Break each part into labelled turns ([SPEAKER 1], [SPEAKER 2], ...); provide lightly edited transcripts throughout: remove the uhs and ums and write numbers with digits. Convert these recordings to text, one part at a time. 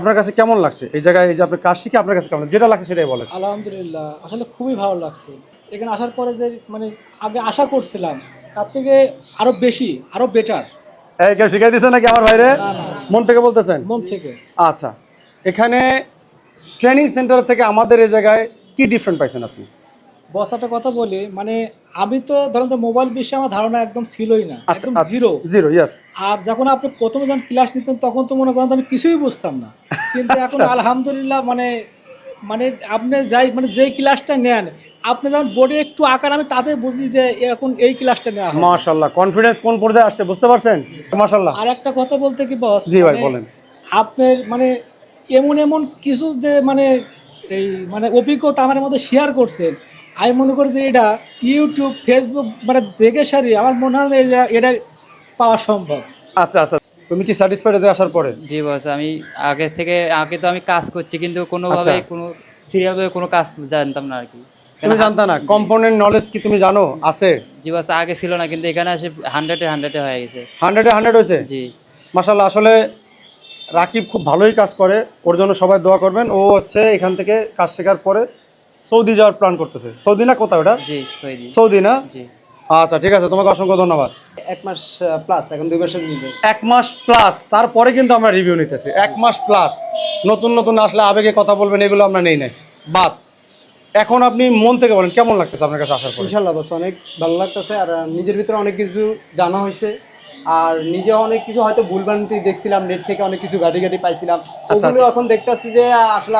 [SPEAKER 1] আপনার কাছে কেমন লাগছে এই জায়গায়, এই যে আপনার কাজ শিখে আপনার কাছে কেমন যেটা লাগছে সেটাই বলেন।
[SPEAKER 2] আলহামদুলিল্লাহ, আসলে খুবই ভালো লাগছে। এখানে আসার পরে যে মানে আগে আশা করছিলাম তার থেকে আরো বেশি, আরো বেটার।
[SPEAKER 1] এই কেউ শিখাই দিচ্ছে নাকি আমার ভাইরে?
[SPEAKER 2] না না,
[SPEAKER 1] মন থেকে বলতেছেন?
[SPEAKER 2] মন থেকে।
[SPEAKER 1] আচ্ছা, এখানে ট্রেনিং সেন্টার থেকে আমাদের এই জায়গায় কি ডিফারেন্ট পাইছেন আপনি?
[SPEAKER 2] বস একটা কথা বলি, মানে আমি তো ধরেন যে মোবাইল বিষয়ে আমার ধারণা একদম ছিলই না,
[SPEAKER 1] আচ্ছা,
[SPEAKER 2] একদম জিরো।
[SPEAKER 1] Zero, yes.
[SPEAKER 2] আর যখন আপনি প্রথমে যখন ক্লাস নিতেন তখন তো মনে করেন যে আমি কিছুই বুঝতাম না, কিন্তু এখন
[SPEAKER 1] আচ্ছা।
[SPEAKER 2] আলহামদুলিল্লাহ মানে মানে আপনি যাই মানে যেই ক্লাসটা নেন, আপনি যখন বোর্ডে একটু আঁকান আমি তাতে বুঝি যে এখন এই ক্লাসটা নেওয়া হয়।
[SPEAKER 1] মাশাআল্লাহ, কনফিডেন্স কোন পর্যায়ে আসছে বুঝতে পারছেন? মাশাআল্লাহ।
[SPEAKER 2] আর একটা কথা বলতে কি বস,
[SPEAKER 1] জি ভাই
[SPEAKER 2] মানে
[SPEAKER 1] বলেন।
[SPEAKER 2] আপনার মানে এমন এমন কিছু যে মানে এই মানে অভিজ্ঞতা আমার মধ্যে শেয়ার করছেন, আমি মনে করি যে এটা ইউটিউব ফেসবুক মানে দেখে সারি আমার মনে হয় যে এটা পাওয়া সম্ভব।
[SPEAKER 1] আচ্ছা আচ্ছা, তুমি কি স্যাটিসফাইড হয়ে আসার পরে?
[SPEAKER 3] জি বস, আমি আগে তো আমি কাজ করছি কিন্তু কোনোভাবে
[SPEAKER 1] আচ্ছা।
[SPEAKER 3] কোনো সিরিয়ালভাবে কোনো কাজ জানতাম না আর কি।
[SPEAKER 1] তুমি জানতা না? কম্পোনেন্ট নলেজ কি তুমি জানো আছে?
[SPEAKER 3] জি বস, আগে ছিল না কিন্তু এখানে এসে 100-এ হয়ে গেছে।
[SPEAKER 1] 100-এ 100 হয়েছে।
[SPEAKER 3] জি
[SPEAKER 1] মাশাআল্লাহ, আসলে রাকিব খুব ভালোই কাজ করে, ওর জন্য সবাই দোয়া করবেন। ও হচ্ছে এখান থেকে কাজ শেখার পরে সৌদি যাওয়ার প্ল্যান করতেছে। সৌদি না কোথাও ওটা?
[SPEAKER 3] জি সৈদি।
[SPEAKER 1] সৌদি না?
[SPEAKER 3] জি
[SPEAKER 1] আচ্ছা ঠিক আছে, তোমাকে অসংখ্য ধন্যবাদ।
[SPEAKER 4] 1 মাস প্লাস, এখন 2 মাসের নিবে।
[SPEAKER 1] 1 মাস প্লাস, তারপরে কিন্তু আমরা রিভিউ নিতেছি। 1 মাস প্লাস, নতুন নতুন আসলে আবেগে কথা বলবেন, এগুলো আমরা নেই নাই বাদ। এখন আপনি মন থেকে বলেন কেমন লাগতেছে আপনার কাছে আসার পর?
[SPEAKER 4] ইনশাল্লাহ বস, অনেক ভালো লাগতেছে। আর নিজের ভিতরে অনেক কিছু জানা হয়েছে, আর নিজে অনেক কিছু হয়তো ভুলভ্রান্তি দেখছিলাম, নেট থেকে অনেক কিছু ঘাটি পাইছিলাম,
[SPEAKER 1] আচ্ছা,
[SPEAKER 4] ওগুলো
[SPEAKER 1] আচ্ছা।
[SPEAKER 4] এখন দেখতেছি যে আসলে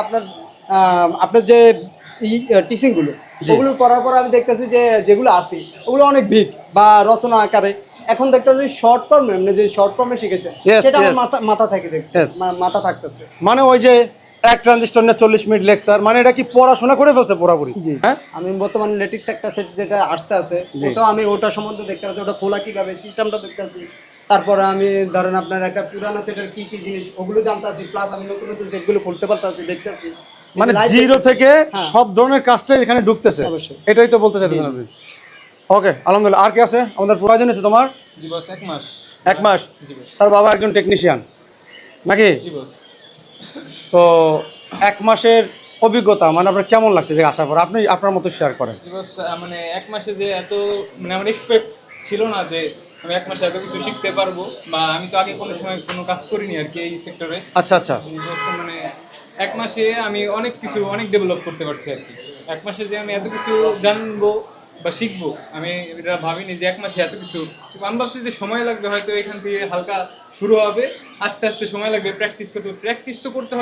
[SPEAKER 4] আপনার যে টিচিংগুলো, ওগুলো পড়ার পর আমি দেখতেছি যে যেগুলো আছে ওগুলো অনেক ভিক বা রচনা আকারে। এখন দেখতেছি শর্ট ফর্ম, মানে যে শর্ট ফর্মে শিখেছে
[SPEAKER 1] Yes,
[SPEAKER 4] সেটা আমার
[SPEAKER 1] yes.
[SPEAKER 4] মাথা থেকে
[SPEAKER 1] Yes.
[SPEAKER 4] মাথা থাকতেছে।
[SPEAKER 1] মানে ওই যে এক ট্রানজিস্টর নিয়ে 40 মিনিট লেকচার, মানে এটা কি পড়াশোনা করে ফেলছে পুরোপুরি?
[SPEAKER 4] জি,
[SPEAKER 1] হ্যাঁ।
[SPEAKER 4] আমি বর্তমানে লেটেস্ট একটা সেট যেটা আসতে আছে,
[SPEAKER 1] জি।
[SPEAKER 4] ওটা সম্বন্ধে দেখতে পাচ্ছি, ওটা খোলা কিভাবে, সিস্টেমটা দেখতেছি। তারপরে আমি ধরেন আপনার একটা পুরানো সেটের কি কি জিনিস ওগুলো জানতাছি, প্লাস আমি নতুন নতুন সেটগুলো খুলতে পারতাছি, দেখতেছি।
[SPEAKER 1] মানে
[SPEAKER 4] Live
[SPEAKER 1] জিরো
[SPEAKER 4] দেখতেছি।
[SPEAKER 1] থেকে
[SPEAKER 4] হ্যাঁ।
[SPEAKER 1] সব ধরনের কাজটাই এখানে ঢুকতেছে।
[SPEAKER 4] অবশ্যই।
[SPEAKER 1] এটাই তো বলতে চাইছেন আপনি। ওকে, আলহামদুলিল্লাহ। আর কি আছে আমাদের প্রয়োজন আছে তোমার?
[SPEAKER 5] জি বস, 1 মাস।
[SPEAKER 1] 1 মাস।
[SPEAKER 5] জি বস।
[SPEAKER 1] তার বাবা একজন টেকনিশিয়ান নাকি?
[SPEAKER 5] জি বস।
[SPEAKER 1] তো 1 মাসের অভিজ্ঞতা মানে আপনার কেমন লাগছে যে আসার পর? আপনি আপনার মতো শেয়ার করেন।
[SPEAKER 5] জি বস, মানে 1 মাসে যে এত মানে আমার এক্সপেক্ট ছিল না যে আমি 1 মাসে এত কিছু শিখতে পারবো, বা আমি তো আগে কোনো সময় কোনো কাজ করিনি আর কি এই সেক্টরে।
[SPEAKER 1] আচ্ছা আচ্ছা।
[SPEAKER 5] মানে 1 মাসে আমি অনেক কিছু অনেক ডেভেলপ করতে পারছি আর কি। 1 মাসে যে আমি এত কিছু জানবো বা শিখবো, আমি এটা ভাবিনি যে 1 মাসে এত কিছু। আমি ভাবছি যে সময় লাগবে, হয়তো এখান থেকে হালকা শুরু হবে, আস্তে আস্তে সময় লাগবে, প্র্যাকটিস তো করতে হবে।